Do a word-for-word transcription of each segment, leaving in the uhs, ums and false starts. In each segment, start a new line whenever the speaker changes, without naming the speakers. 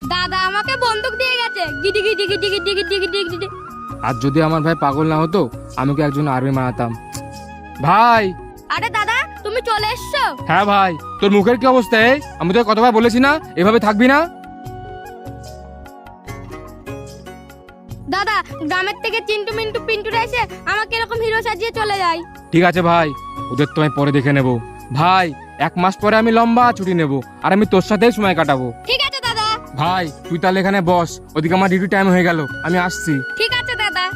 দাদা আমাকে বন্দুক দিয়ে গেছে। গিডি গিডি গিডি গিডি গিডি গিডি গিডি।
আর যদি আমার ভাই পাগল না হতো আমি কি একজন আর্মি মানাতাম। ভাই।
আরে দাদা তুমি চলে এসছো?
হ্যাঁ ভাই, তোর মুখের কি অবস্থা? এই আমি তোকে কতবার বলেছি না এভাবে থাকবি না।
দাদা গ্রামের থেকে চিন্টু মিন্টু পিন্টুরা এসে আমাকে এরকম হিরো সাজিয়ে চলে যায়।
ঠিক আছে ভাই, ওদের তো আমি পরে দেখে নেব। ভাই এক মাস পরে আমি লম্বা ছুটি নেব আর আমি তোর সাথেই সময় কাটাবো।
ঠিক আছে দাদা।
ভাই তুই তাহলে এখানে বস, ওদিকে আমার ডিউটি টাইম হয়ে গেল, আমি আসছি।
ঠিক আছে দাদা।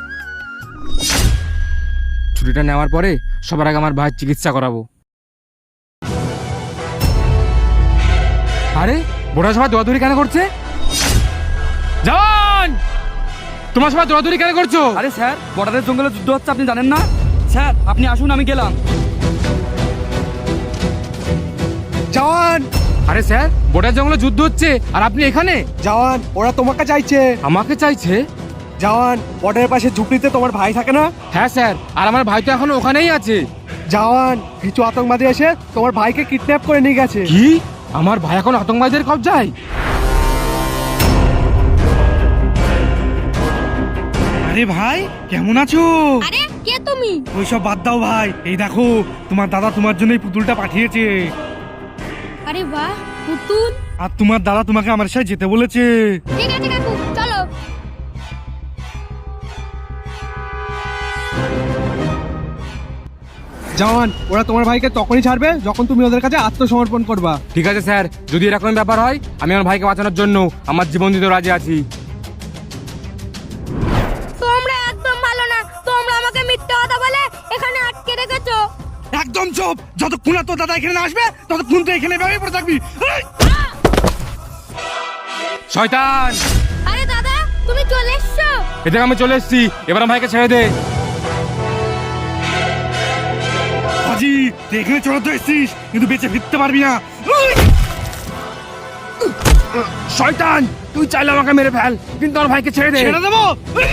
ছুটিটা নেওয়ার পরে সবার আগে আমার ভাইয়ের চিকিৎসা করাবো। আরে বড় সবাই দৌড়াদৌড়ি কেন করছে? জান, তোমার সবাই দৌড়াদৌড়ি কেন করছো?
আরে স্যার, বর্ডারের জঙ্গলে যুদ্ধ হচ্ছে, আপনি জানেন না? স্যার আপনি আসুন, আমি গেলাম।
জওয়ান,
আরে স্যার, বর্ডার জঙ্গলে যুদ্ধ হচ্ছে আর আপনি এখানে?
জওয়ান ওরা তোমাকে চাইছে।
আমাকে চাইছে?
জওয়ান বর্ডারের পাশে ঝুপড়িতে তোমার ভাই থাকে না?
হ্যাঁ স্যার, আর আমার ভাই তো এখন ওখানেই আছে।
জওয়ান কিছু আতঙ্কবাদী এসে তোমার ভাইকে কিডন্যাপ করে নিয়ে গেছে।
কি? আমার ভাই এখন আতঙ্কবাদীদের কবজায়?
আরে ভাই কেমন আছো?
আরে কে তুমি?
ওইসব বাদ দাও ভাই, এই দেখো তোমার দাদা তোমার জন্য এই পুতুলটা পাঠিয়েছে।
আরে বাহ পুতুল।
আর তোমার দাদা তোমাকে আমার সাথে যেতে বলেছে।
ঠিক আছে কাকু চলো।
জওয়ান ওরা তোমার ভাইকে তখনই ছাড়বে যখন তুমি ওদের কাছে আত্মসমর্পণ করবা।
ঠিক আছে স্যার, যদি এরকম ব্যাপার হয় আমি আমার ভাইকে বাঁচানোর জন্য আমার জীবন দিতে রাজি আছি।
তোমরা একদম ভালো না, তোমরা আমাকে মিথ্যা কথা বলে এখানে আটকে রেখেছো।
একদম চুপ, যতক্ষণ না তোর দাদা এখানে না আসবে ততক্ষণ তো এখানে এভাবেই পড়ে থাকবি। এই!
শয়তান,
আরে দাদা তুমি চলে এসছো?
এদিকে আমি চলে এসেছি, এবার আমার ভাইকে ছেড়ে দে।
হাজি তুই এখানে চড়াতে এসেছিস কিন্তু বেঁচে ফিরতে পারবি না। এই!
শয়তান, তুই চাইলে আমাকে মেরে ফেল কিন্তু আমার ভাইকে ছেড়ে দে।
ছেড়ে দেবো? এই!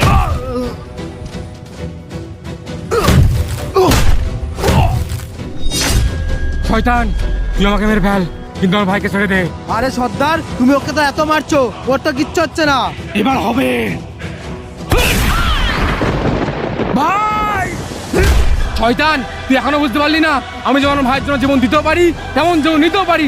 শয়তান, তুই আমাকে মেরে ফেল কিন্তু আমার ভাইকে ছেড়ে দে।
আরে সর্দার তুমি ওকে তো এত মারছো, ওর তো কিচ্ছু হচ্ছে না।
এবার হবে।
ভাই! শয়তান, তুই এখনো বুঝতে পারলি না আমি যেমন আমার ভাইয়ের জন্য জীবন দিতেও পারি তেমন জীবন নিতেও পারি।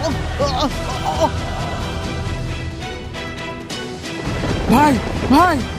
ভাই ভাই